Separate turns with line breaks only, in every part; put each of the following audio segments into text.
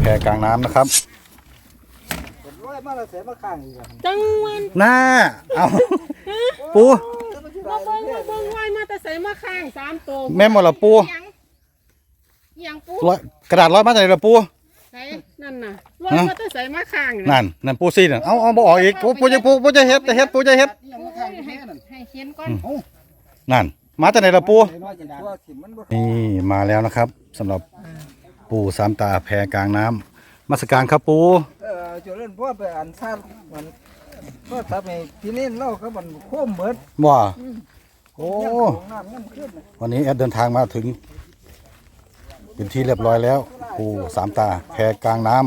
แพกลางน้ำนะครับ
ร้อยมาแล้วเสียมาข้างอีก
จังหวัน
หน้าเอาปู
มาเบิ่งไว้มาแต่ใส่มาข้าง3ตัว
แม่หมดละปู
ยังปู
ร้อยกระดาษร้อยมาจากไหนละปู
ใส่นั่นน่ะร้อยมาแต่ใส่มาข้าง
นั่นปูซี่น่ะเอาบ่ออกอีกปูจะเฮ็ดปูจะเฮ็ด
ให้เขียนก่อน
นั่นมาจากไหนละปู
ตัวถิ่มมันบ่
นี่มาแล้วนะครับสำหรับปูสามตาแพกลางน้ำมาสการครับปู
จุดเล่นพ่อไปอ่านซ่ามันก็ทำให้พี่เล่นเล่าเขามันโค้มเบิด
ว่าโอ้
น้ำเงินขึ้น
วันนี้แอดเดินทางมาถึงเป็นที่เรียบร้อยแล้วปูสามตาแพกลางน้ำ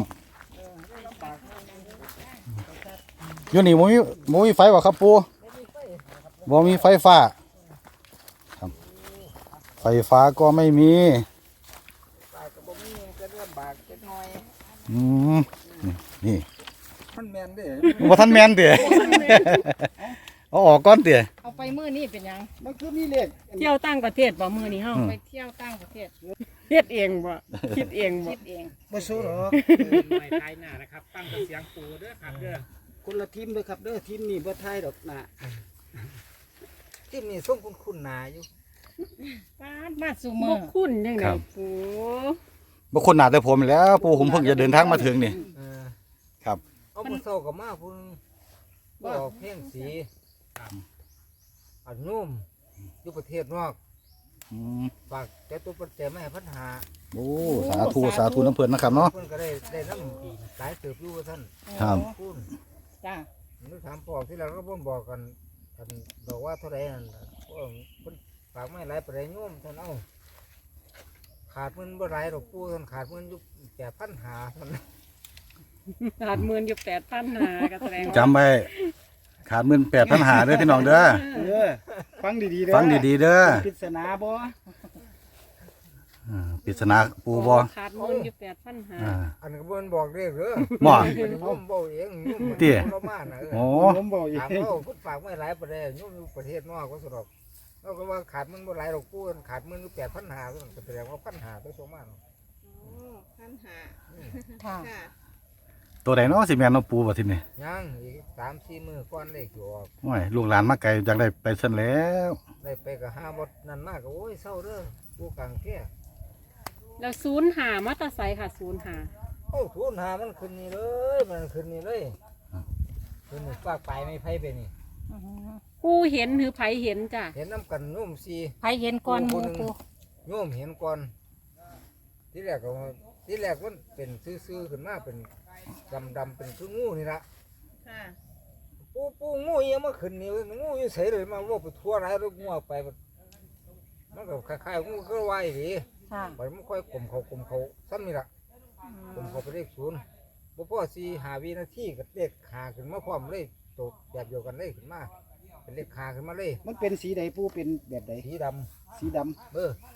อยู่นี่บ่มีไฟวะครับปูบ่มีไฟฟ้าครับไฟฟ้าก็ไม่มี
ปากกระบอกมีจะเริ่มบากจะน้อย
อืมนี่
มันแมนเด้
บ่ทันแมนเตี๋ย เอาออกก่อนเตี๋ย
เอาไปมื้อนี้เป็นหยัง
มันคือมีเลข
เที่ยวต่างประเทศบ่มื้อนี้เฮาไปเที่ยวต่างประเทศเฮ็ดเองบ่คิดเองบ่
บ่สู้หรอก
หน่วยไทยหน้านะครับตั้งแต่เสียงปูเด้อครับเด้อ
คนละทีมเลยครับเด้อทีมนี้บ่ไทยดอกนะทีมนี้ส่งคุณหนาอยู่
ป้าดมาสู่มื้อบ่คุ้นจังได๋ปู
บ่คนหนาแต่ผมแหล้วปูผมเพิ่งจะเดินทางมาถึงนี่ครับ
เอาบ่เศร้ากับมาพุ่นบ่ออกเพ่งสีอันนุ่มอยู่ประเทศนอก
อืม
ฝากเจ้าตัวปัจจัยไม่ให้ปัญหา
โอ้สาธุน้ำเพิ่นนะครับเนาะ
เพิ่นก็ได้น้ำหลายเติบอยู่ว่าท่าน
ครับ
คุณ
จ้า
นึกถามปอกที่เราก็บ่นบอกกันบอกว่าเท่าไหร่นั่นพวกเพิ่นฝากไม่หลายประเดี๋ยวโยมท่านเอาขาดเงินบ่หลายดอกปูท่านขาดเงินอยู่8,500ท่าน
ขาดหมื่นอยู่8,500ก็แสดงว่า
จำไว้ขาดเงิน8,500เด้อพี่น้องเด้อ
ฟังดีๆเด้อ
ฟังดีๆเด้อ
ปริศนาบ่
ปริศนาปูบ่
ขาดหมื่นอยู่8,500
อันก็บ่นบอกเด้อเด้อ
บ่
อันนี้ผมบอกเองโยม
เตี้ย
เรามาน่ะ
โอ้
ผมบอกเองถามเขาเพิ่นฝากไม่หลายประเดี๋ยวโยมอยู่ประเทศนอกก็สะดอกเราก็ว่าขาดเงินบ่หลายดอกปูขาดเงินอยู่8,500ท่านก็แสดงว่า1,500ตัวสองมาเนาะ
ค่ะ
ตัวใดเนาะสิแม่นเนาะปูบ่ทีนี้
ยังอีก3-4 มื้อก่อนเลขสิออก
โอ้ยลูกหลานมาไกลจังได้ไปซั่นแล้ว
ได้ไปกับห้าบดนั่นมากก็โอ้ยเศร้าเด้อผู้กลางแก่
แล้ว05มาแตาไสค่ะ05
โอ้ทุนหามันขึ้นนี่เลยมันขึ้นนี่เลยขึ้นนี่ฝากไปไม่ไพ่ไปนี่
ผู้เห็นหรือไผเห็นจ้ะ
เห็นน้ำกันนุ่มซี
ไผเห็นก่อนหมู่ปู
โยมเห็นก่อนที่แรกก็ที่แรกมันเป็นซื่อๆขึ้นมาเป็นดำๆเป็นคืองูนี่ละ
ค่ะ
ปูงูยังมาขึ้นนี่งูอยู่เฉยเลยมาว่าไปทั่วไรแล้วงูเอาไปมันก็คล้ายๆงูก็ไหวดี
ค่ะ
ไปมันค่อยกลมเขาซ้ำนี่ละกลมเขาไปเลข0บ่พอ4-5 วินาทีก็เลข5ขึ้นมาพร้อมเลยตกแบบเดียวกันเลยขึ้นมาเป็นเลข5ขึ้นมาเลย
มันเป็นสีใดปูเป็นแบบใด
สีด
สีดำ
ำ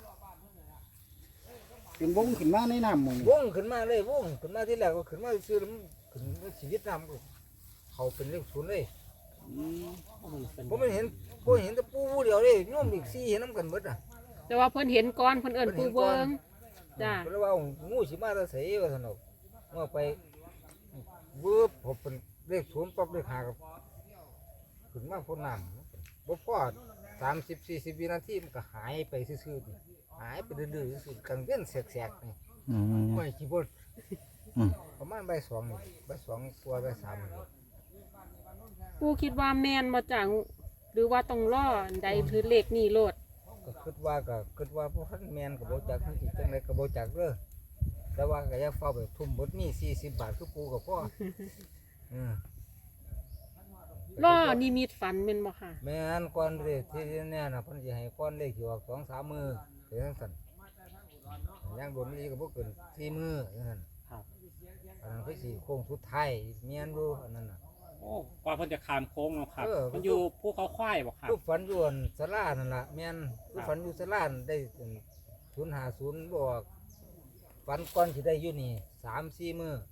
เป็นวงขึ้นมาในน้ำหมองนี่
วงขึ้นมาเลยวงขึ้นมาที่แรกก็ขึ้นมาซื้อแล้วมันขึ้นมาชีวิตน้ำก็เขาเป็นเลข0เลย
อืม
ผมไม่เห็นผมเห็นแต่ปูเดียวเลยโยมอีก4เห็นน้ำกันหมดอ่ะ
แต่ว่าเพิ่นเห็นก่อนเพิ่นเอิ้นปูเบิ่งจ้ะ
ก็เลยว่างูสิมาแล้วเสียว่าสนุกเมื่อไปเวิบผมเป็นเลข0ปั๊บเลข5กับขึ้นมาพ้นน้ำบ่พอ30-40 วินาทีมันก็หายไปซื่อๆนี่หายไปดื้อๆซื่อๆกลางเว้นแสกๆนี่
อืม
ไม่กี่บด
อืม
ประมาณบ่าย2นี่บ่าย2กว่าบ่าย3นี่
ปูคิดว่าแม่นบ่จ้ะหรือว่าต้องรออันใดคือเลขนี้โลด
ก็คิดว่าพวกท่านแมนกับโบจักทั้งที่จังไรกับโบจักเด้อแต่ว่าก็อย่าเฝ้าไปทุ่มบดมี40 บาทคือปูกับพ่ออืม
รอนิมิตฝันแม่นบ่ค่ะ
แม่นก่อนเลยที่เนี่ยนะเพิ่นสิให้ก่อนเลขอยู่ออก2-3 มื้อเป็นจังซั่นย่างโดนนี้ก็บ่เกิน4 มื้อจังซั่นอันนั้นคือสิโค้งสุดท้ายแม่นอยู่อันนั้นน่ะ
โอ้กว่าเพิ่นจะขามโค้งเนาะครับ
เออ
มันอยู่ภูเขาควายบ่ครับ
คือฝันอยู่อันศาลานั่นล่ะแม่นคือฝันอยู่ศาลานั่นได้050บอกฝันก่อนสิได้อยู่นี่3-4 มื้อ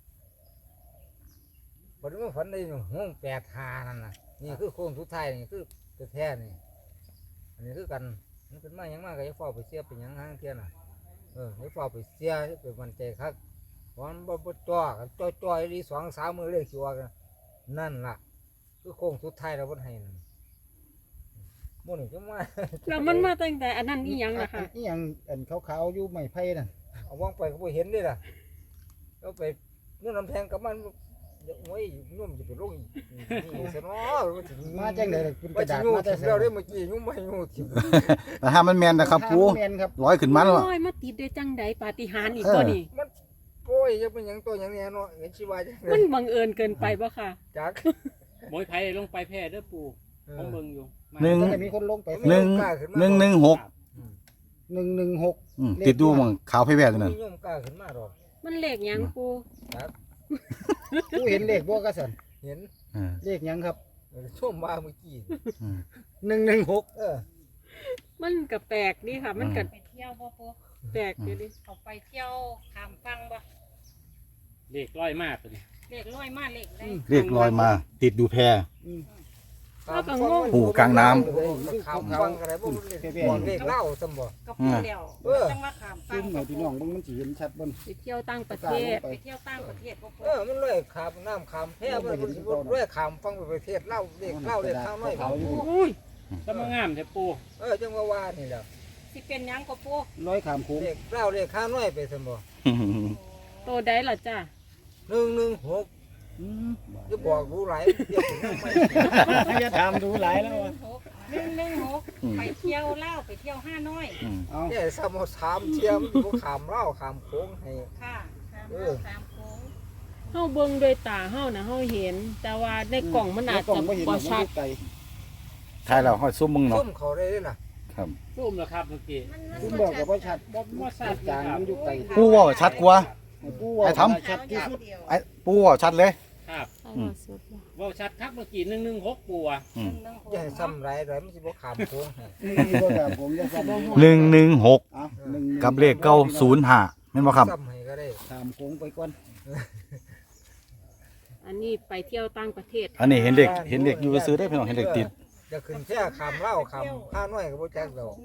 บัดนี้มาฝันได้ห้อง85นั่นน่ะนี่คือโค้งสุดท้ายนี่คือแท้ๆนี่อันนี้คือกันมันเป็นมาหยังมาก็อย่าเฝ้าไปเสียเป็นหยังหางเที่ยน่ะอย่าเฝ้าไปเสียอย่าไปมั่นใจคักผวันบ่จ่อกันจ่อยดี2-3มื้อเลขสิออกกันนั่นล่ะคือโค้งสุดท้ายแล้วเพิ่นให้นั่นมื้อนี้จังว่า
แล้วมันมาตั้งแต่อันนั้นอีหยังล่ะค่ะ
อีหยังอันขาวๆอยู่ไม้ไผ่นั่น
เอาวางไปก็บ่เห็นเด้ล่ะแล้วไปนู่นน้ำแพงกับมันโอ้ยนุ่มจะไปลงนี่ซะเนาะ
มาจังได๋ล่ะเป็นก
ว่า
ระ
สิ
ดาษ
งู
มาแต่
ถิ่ม
ไส
แล้วได้เมื่อกี้ยุ่มไม่งูถิ่ม
แต่ถ้ามันแม่นนะครับปู
แม่นครับ
ร้อยขึ้นมาแล้ว
โอ้ยมาติดได้จังใดปาฏิหาริย์อีกบ่นี่
มันโอ้ยจะเป็นหยังตัวหยังเนี่ยเนาะเห็นชีวาจังเล
มั
ย
นบังเอิญเกินไปบ่ค่ะ
จัก
หมวยไผลงไปแพร่เด้อปู่ผมเบิ่งอยู่มา
หนึ่ง
ตั้งแต่มีคนลงไป
หนึ่ง 116
116
ติดดูหมองขาวไผแว่ตัวนั้น
มีโยมกล้าขึ้นมาดอก
มันเลขหยังปู
จัก
ผู้เห็นเลขบ่กะสัน
เห็น
เลขหยังครับ
ช่วงมาเมื่อกี้
116
มันก็แปลกดีค่ะ มันก็
ไปเที่ยวบ่ปู
แปลกอยู่ดิ
เขาไปเที่ยวขามฟังบ่
เลขร้อยมากตัวนี้
เลขร้อยมาเลขได้
เรียกลอยมา ติดดูแพ ปู่กลางน้ำ
ขามฟังอะไรบ่รู้เลขเล่าซั่นบ่
ก็พูดแล้ว จังว่าขามฟั
ซึ
ง
มให้พี่น้องเบิ่งมันสิเห็นชัดเบิ่ง
ไปเที่ยวต่างประเทศ
ไปเที่ยวต่างประเทศบ่ปู
มันเลยขามน้ำขามแพมันบ่สิบ่เลยขามฟังไปประเทศเล่าเลขเล่าเลขข้างน้อย
อุ้ยสมงามแท้ปู่
จังว่านี่แหละ
สิเป็นหยังก็ปู
ร้อยขามโค้ง
เลขเล่าเลขข้างน้อยไปซั่นบ่
โตได้ล่ะจ้ะ
116
อืม
จะบอกรู้หลายเดี๋ยวผมไม่
อย่าถามดูหลายแล้วว่ะ
116ไปเที่ยวลาวไปเที่ยวห้าน้อย
เอา
เนี่ยซ้ำถามเทียมบ่ขามเล่าขามโค้งให้
ค่ะขาม
เอ
ลา
อ
วขามโค้ง
เฮาเบิ่งด้วยตาเฮานะเฮาเห็น แต่ว่าในกล่องมันอาจ
กล่อ
จะ
งบ่เห็น
บ่
มัน
ชัด
อยู่ไกล
ใช่แล้วห้อยซุ่มมึงเนาะ
ซุ่มเขาได้เลยล่ะ
ครับ
ซูมแล้วครับเมื่อกี้
ซึมบอกก็บ่ชัด
บ่ชัด
จางมันอยู่ไกล
ปูเว่าชัดกว่า
ให้ปู่ว่า
ไอ้ทำ
ชัดที่สุด
ไอ้ปูเว่าชัดเลย
ครับ
อืม
เว้าชัดครับเมื่อกี้116ปู่อ่ะ
อืม
อย่าให้ซ้ำไรไรมันสิบ่ขามโค้งให้
มีบ่ครับผมจะซ้ำ
116
เอา1
กับเลขเก้า05แม่นบ่ครับ
ซ้ำให้ก็ได้
ขามโค้งไปก่อน
อันนี้ไปเที่ยวต่างประเทศ
อันนี้เห็นเด็กอยู่ซื้อได้พี่น้องเห็นเด็กติด
จะขึ้นแค่ขามเล่าขามข้าน้อยก็บ่จักดอก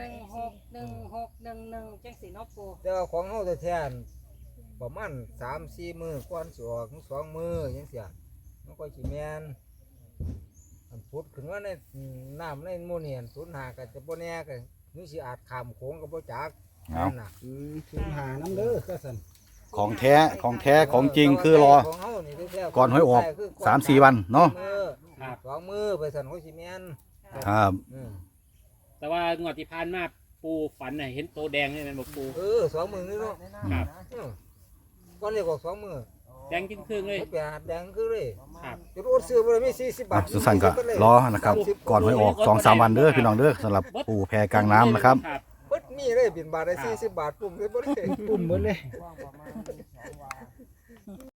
11611จังสิเนาะปู
แต่ว่าของเฮาแท้ๆประมาณ 3-4 มื้อก่อนสิออก2มื้อจังซี่มันก็สิแม่นอันพุดขึ้นว่าในน้ำในหมู่นี่อัน05ก็จะบ่แน่ก็นี่สิอาจขามโค้งก็บ่จัก
เอา
นั่นน่ะ
ถึงหาน้ำเด้อก็สั่น
ของแท้ของจริงคือรอ
ของเฮานี่แท้ๆ
ก่อนหวยออก 3-4 วันเนาะ
มื้อ2มื้อไปสั่นเขาสิแม่น
ครับ
แต่ว่างวดที่ผ่านมาปู่ฝันน่ะเห็นโตแดงนี่แม่นบ่ปู่
2มื้อนี่เนาะ
ครับ
ก่อนเรียกออก2มื้อ
แดงจิ้งครึ่งเลย
ไปหาแดงคือเลย
ครับ
จะรู้ซื้อบ่ได้มี40บา
อ่ะ
ท
สุสันก็รอนะครับ ก่อนหวยออก 2-3 วันเด้อพี่น้องเด้อสำหรับปูแพกลางน้ำนะครับ
ครับ
เบิดมีเลยบินบาทได้40บาทปุ่มเลยบ่ได้
ปุ่มหมดเลย